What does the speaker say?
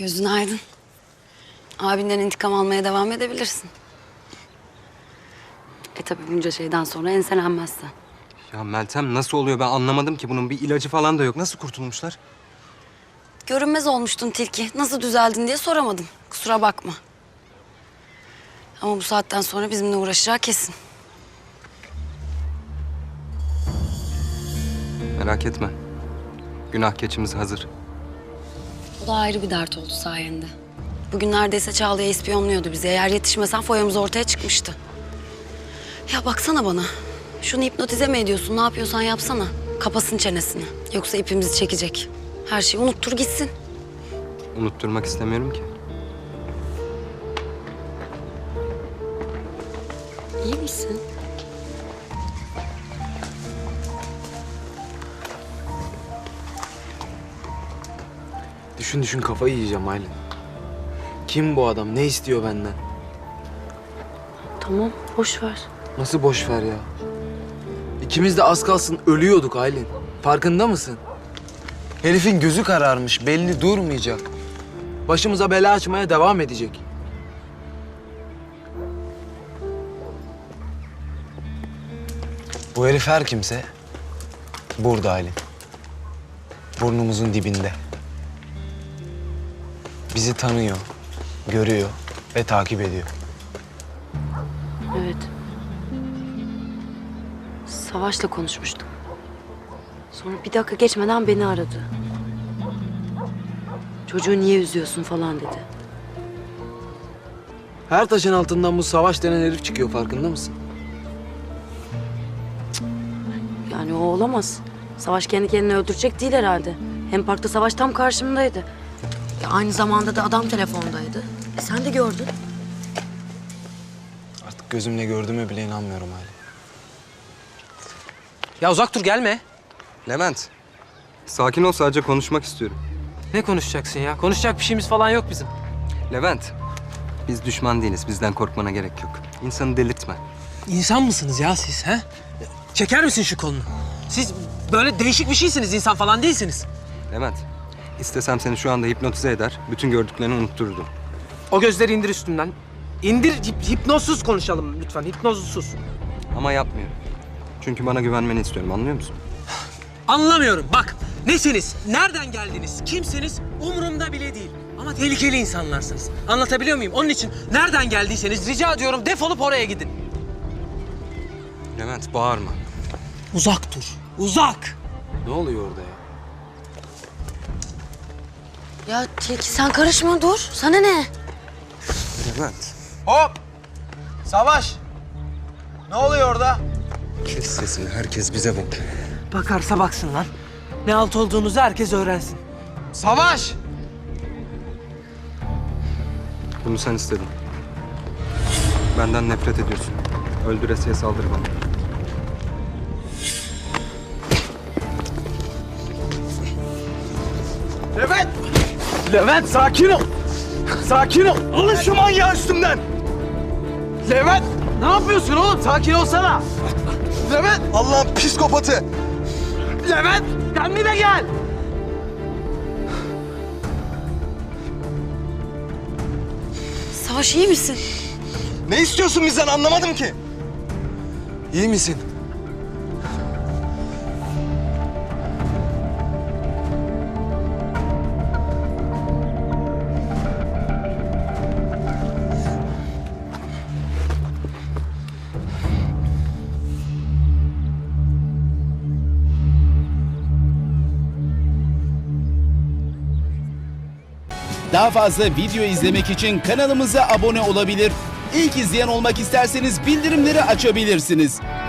Gözün aydın. Abinden intikam almaya devam edebilirsin. Tabii bunca şeyden sonra enselenmezsen. Ya Meltem nasıl oluyor ben anlamadım ki. Bunun bir ilacı falan da yok. Nasıl kurtulmuşlar? Görünmez olmuştun tilki. Nasıl düzeldin diye soramadım. Kusura bakma. Ama bu saatten sonra bizimle uğraşacağı kesin. Merak etme. Günah keçimiz hazır. O da ayrı bir dert oldu sayende. Bugün neredeyse Çağla'ya ispiyonluyordu bizi. Eğer yetişmesen foyamız ortaya çıkmıştı. Ya baksana bana. Şunu hipnotize mi ediyorsun? Ne yapıyorsan yapsana. Kapasın çenesini. Yoksa ipimizi çekecek. Her şeyi unuttur gitsin. Unutturmak istemiyorum ki. İyi misin? Düşün düşün kafayı yiyeceğim Aylin. Kim bu adam? Ne istiyor benden? Tamam, boş ver. Nasıl boş ver ya? İkimiz de az kalsın ölüyorduk Aylin. Farkında mısın? Herifin gözü kararmış, belli durmayacak. Başımıza bela açmaya devam edecek. Bu herif her kimse burada Aylin. Burnumuzun dibinde. Bizi tanıyor, görüyor ve takip ediyor. Evet. Savaş'la konuşmuştum. Sonra bir dakika geçmeden beni aradı. Çocuğu niye üzüyorsun falan dedi. Her taşın altından bu Savaş denen herif çıkıyor, farkında mısın? Yani o olamaz. Savaş kendi kendini öldürecek değil herhalde. Hem parkta Savaş tam karşımdaydı. Aynı zamanda da adam telefondaydı. Sen de gördün. Artık gözümle gördüğüme bile inanmıyorum Aylin. Ya uzak dur gelme. Levent. Sakin ol, sadece konuşmak istiyorum. Ne konuşacaksın ya? Konuşacak bir şeyimiz falan yok bizim. Levent. Biz düşman değiliz. Bizden korkmana gerek yok. İnsanı delirtme. İnsan mısınız ya siz he? Çeker misin şu kolunu? Siz böyle değişik bir şeysiniz, insan falan değilsiniz. Levent. İstesem seni şu anda hipnotize eder. Bütün gördüklerini unuttururdum. O gözleri indir üstümden. İndir, hipnozsuz konuşalım lütfen, hipnozsuz. Ama yapmıyorum. Çünkü bana güvenmeni istiyorum, anlıyor musun? Anlamıyorum bak. Nesiniz? Nereden geldiniz? Kimsiniz? Umurumda bile değil. Ama tehlikeli insanlarsınız. Anlatabiliyor muyum? Onun için nereden geldiyseniz rica ediyorum defolup oraya gidin. Levent bağırma. Uzak dur. Uzak. Ne oluyor orada ya? Ya Tilki sen karışma dur. Sana ne? Levent. Hop! Savaş! Ne oluyor orada? Kes sesini, herkes bize bakıyor. Bakarsa baksın lan. Ne alt olduğunuzu herkes öğrensin. Savaş! Bunu sen istedin. Benden nefret ediyorsun. Öldüresiye saldır bana. Levent! Levent sakin ol! Sakin ol! Alın şu manyağı üstümden! Levent! Ne yapıyorsun oğlum? Sakin olsana! Levent! Allah'ın psikopatı! Levent! Kendine gel! Savaş iyi misin? Ne istiyorsun bizden, anlamadım ki. İyi misin? Daha fazla video izlemek için kanalımıza abone olabilir. İlk izleyen olmak isterseniz bildirimleri açabilirsiniz.